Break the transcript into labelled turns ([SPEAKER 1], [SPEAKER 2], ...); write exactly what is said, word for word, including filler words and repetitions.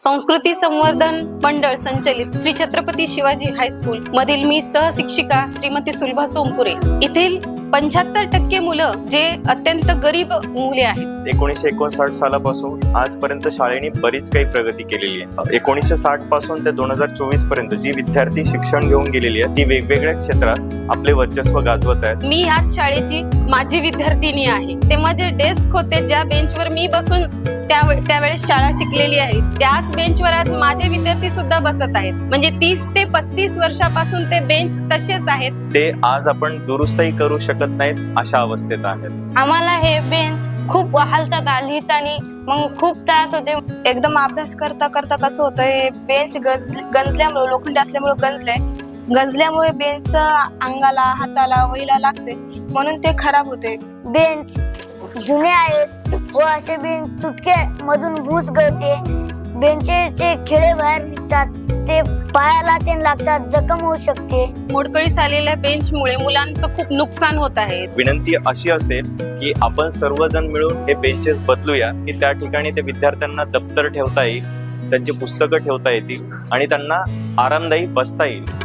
[SPEAKER 1] संस्कृती संवर्धन मंडळ संचलित श्री छत्रपती शिवाजी हायस्कूल मधील मी सहशिक्षिका श्रीमती सुलभा सोमपुरे. येथील पंच्याहत्तर टक्के मुलं जे अत्यंत गरीब मुले आहेत.
[SPEAKER 2] एकोणीसशे एकोणसाठ सालापासून आजपर्यंत शाळेने बरीच काही प्रगती केलेली आहे. एकोणीसशे साठ पासून ते दोन हजार चोवीस पर्यंत जी विद्यार्थी शिक्षण घेऊन गेलेली आहे ती वेगवेगळ्या क्षेत्रात आपले वर्चस्व गाजवत आहेत.
[SPEAKER 1] मी ह्याच शाळेची माझी विद्यार्थिनी आहे. तेव्हा जे डेस्क होते, ज्या बेंचवर मी बसून त्यावेळेस शाळा शिकलेली आहे, त्याच बेंचवर आज माझे विद्यार्थी सुद्धा बसत आहेत. म्हणजे तीस ते पस्तीस वर्षापासून ते बेंच तसेच आहेत.
[SPEAKER 2] ते आज आपण दुरुस्तही करू शकत नाहीत अशा अवस्थेत आहेत.
[SPEAKER 3] आम्हाला हे बेंच खूप हालतात, लिहिताना मग खूप त्रास होते.
[SPEAKER 4] एकदम अभ्यास करता करता कसं होतं, हे बेंच गंज गंजल्यामुळे लोखंडी असल्यामुळे गंजलंय गंजल्यामुळे बेंच अंगाला हाताला वहीला लागते, म्हणून ते खराब होते.
[SPEAKER 5] बेंच जुने आहेत व असे बेंच तुटके मधून भूस गळते. बेंचेचे खिळे बाहेर निघतात, ते पायाला ते लागतात, जखम होऊ शकते.
[SPEAKER 1] मोडकळीस आलेल्या बेंचमुळे मुलांचं खूप नुकसान होत आहे.
[SPEAKER 2] विनंती अशी असेल की आपण सर्वजण मिळून हे बेंचेस बदलूया, की त्या ठिकाणी ते विद्यार्थ्यांना दप्तर ठेवता येईल, त्यांची पुस्तकं ठेवता येतील आणि त्यांना आरामदायी बसता येईल.